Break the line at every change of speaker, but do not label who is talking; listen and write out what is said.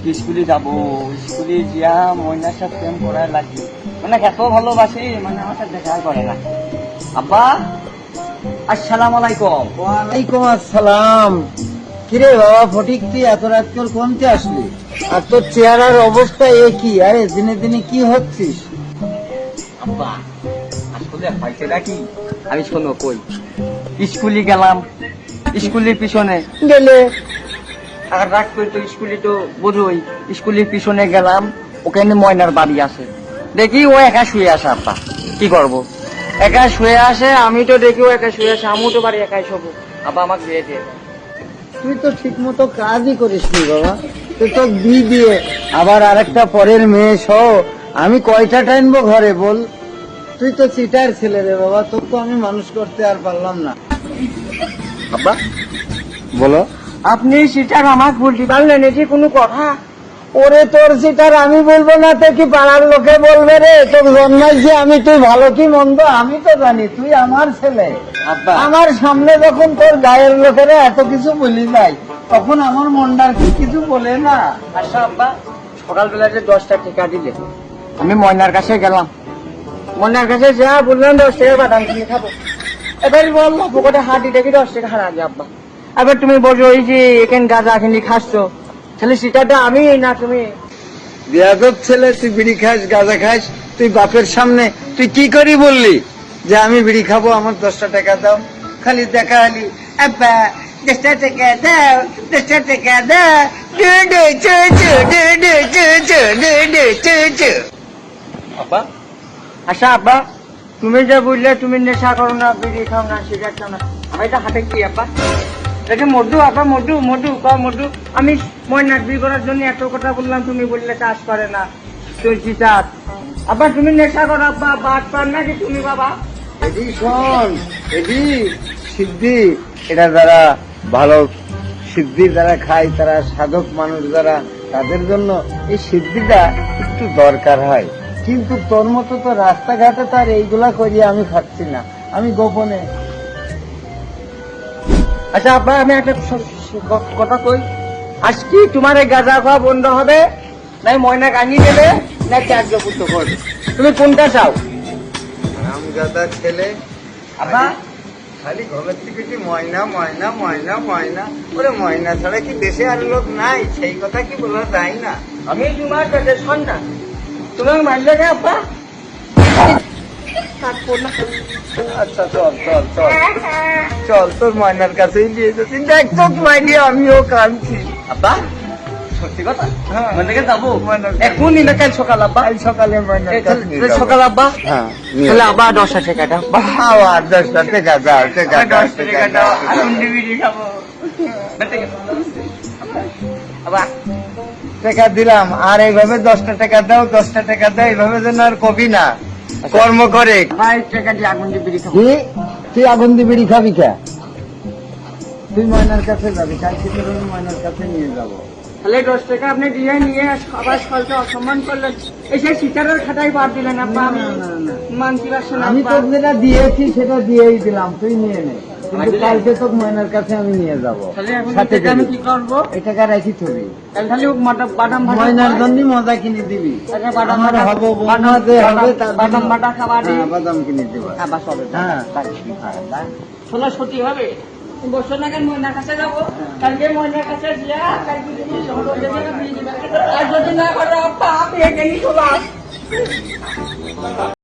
আজকে স্কুলে যাবো, স্কুলে গিয়া ময়নার সাথে প্রেম করার লাগবে, মানে এত ভালোবাসি, মানে আমার সাথে দেখা করে না। আব্বা আসসালামু আলাইকুম।
ওয়ালাইকুম আসসালাম। কিরে বাবা ফটিক, তুই এত রাত করে কোনতে আসলি? আর তোর চেহারার অবস্থা একই, আরে দিনে দিনে কি হচ্ছিস?
আব্বা আসলে হয়েছে নাকি, আমি শোনো কই, স্কুলে গেলাম, স্কুলের পিছনে গেলে আর রাগ করে তো স্কুলে তো বোঝোই, স্কুলের পিছনে গেলাম, ওখানে ময়নার বাড়ি আছে, দেখি ও একা শুয়ে আসে। আব্বা কি করবো, একা শুয়ে আসে, আমি তো দেখি ও একা শুয়ে আসে, আমিও তো বাড়ি একাই শোবো। আব্বা আমাকে দিয়ে দিয়ে দেয়।
তুই তো ঠিক মতো কাজই করিস নি বাবা, তুই তো দিয়ে আবার আরেকটা পরের মেয়ে সহ আমি কয়টা টাইনবো ঘরে বল? তুই তো চিটার ছেলে রে বাবা, তোর তো আমি মানুষ করতে আর পারলাম না।
আব্বা
বলো।
আপনি সেটার আমাকে বলতে পারলেন, এটি কোনো কথা?
ওরে তোর চিটার আমি বলবো না তো কি পাড়ার লোকে বলবে রে? তোর জন্মাইছি আমি, তুই ভালো কি মন্দ আমি তো জানি, তুই আমার ছেলে।
আব্বা
আমার সামনে যখন তোর গায়ের লোকেরা এত কিছু বলি যায়, তখন আমার মনটার কি কিছু বলে না?
আচ্ছা আব্বা, সকালবেলা যে 10টা টাকা দিলে, আমি ময়নার কাছে গেলাম, ময়নার কাছে যা বললাম 10 টাকা বাদাম কিনে খাবো, এবার বললাম পকেটে হাঁটি দেখি 10 টাকা হারা যায়। আব্বা এবার তুমি বলছো ওই যে এখানে গাঁজা কিনে খাচ্ছ, তাহলে সেটাটা আমি না তুমি?
বেয়াদব ছেলে, তুই বিড়ি খাস গাঁজা খাস, তুই বাপের সামনে তুই কি করি বললি যে আমি বিড়ি খাবো, আমার 10টা টাকা দাও? খালি দেখা হলি আব্বা 10টা টাকা দাও, 10টা টাকা দাও,
আব্বা আচ্ছা আব্বা, তুমি যে বললে তুমি নেশা করো না, বিড়ি খাও না, সিগারেট খাও না, আমি এটা হাতে কি আব্বা? এটা মধু আব্বা, মধু মধু মধু। আমি ময়নার বিয়ে করার জন্য এত কথা বললাম, তুমি বললে কাজ করে না, তুই চিটার। আব্বা তুমি নেশা করো আব্বা, বাদ পার নাকি তুমি বাবা?
এদি শোন, এদি সিদ্ধি, এটা যারা ভালো সিদ্ধি যারা খায়, তারা সাধক মানুষ যারা, তাদের জন্য এই সিদ্ধিটা একটু দরকার হয়। কিন্তু তোর মতো তো রাস্তাঘাটে তার এইগুলা করিয়ে আমি খাচ্ছি না, আমি গোপনে।
আচ্ছা আব্বা আমি একটা কথা কই, আজ কি তোমার এই গাঁজা খাওয়া বন্ধ হবে, নাই ময়না কানি দেবে, না ত্যাজ্য পুত্র করবে, তুমি কোনটা চাও?
আম গাদা ছেলে,
আব্বা
খালি ঘরের থেকে কি ময়না ময়না ময়না ময়না, ওরে ময়না ছাড়া কি দেশে আর লোক নাই? সেই কথা কি বলা যায় না?
আমি তোমার কাছে সন্তান, তুমি মানলে না আব্বা?
আচ্ছা চল চল চল চল, তোর ময়নার কাছেই নিয়ে যাচ্ছি, দেখ তো মাইনি আমিও কাঁদছি।
আব্বা সত্যি কথা,
হ্যাঁ।
ময়না থেকে যাবো
ময়নার
এখনই না কাল সকাল আব্বা?
কাল সকালে ময়নার কাছে নিয়ে যাবো।
সকাল আব্বা,
হ্যাঁ নিয়ে
তাহলে
যাবো।
আব্বা 10টা টাকাটা
আবার 10টা টাকা দাও, টাকা দাও,
10
টাকা
টাকা
দাও।
এখন বিড়ি খাবো। আব্বা
টাকা দিলাম, আর এইভাবে 10টা টাকা দাও, 10টা টাকা দাও, এইভাবে যেন আর কবি না, কর্ম করে।
ভাই টাকা দিয়ে আগুন দিয়ে বিড়ি খাবো।
তুই আগুন দিয়ে বিড়ি খাবি কে? তুই ময়নার কাছে যাবি, কালকে তোর আমি ময়নার কাছে নিয়ে যাবো।
তাহলে 10 টাকা আপনি দিয়ে নিয়ে আবার সকালকে অসম্মান করলেন, এসে সিটারের খাতায় বাদ দিলেন আব্বা। আমি
না, না, না।
মানতে পারছি না
আমি
আব্বা।
তোর যেটা দিয়েছি সেটা দিয়েই দিলাম, তুই নিয়ে নে, কিন্তু
দিলে?
কালকে তোর ময়নার কাছে আমি নিয়ে যাবো।
তাহলে এখন
সাথে
টাকা আমি
দিবি।
কি করবো?
এই টাকা রাখি থবি,
তাহলে বাদাম ভাজা
ময়নার
খাওয়াই?
জন্য মজা কিনে দিবি।
আচ্ছা, বাদাম
আমার
বাটা-
হবো
বাদাম-
বৌমা যে হবে
বাদাম-
তার
বাদাম
জন্য-
বাটা খাওয়া দিই।
হ্যাঁ, বাদাম কিনে দিবা।
আবার সবে
হ্যাঁ।
শোনা সত্যি হবে, বছর নাকি ময়নার কাছে যাবো, কালকে ময়নার কাছে গিয়া কালকে যদি শহর থেকে বিয়ে দিবে, আর যদি না করে আব্বা আপনি এখানেই চলে আস।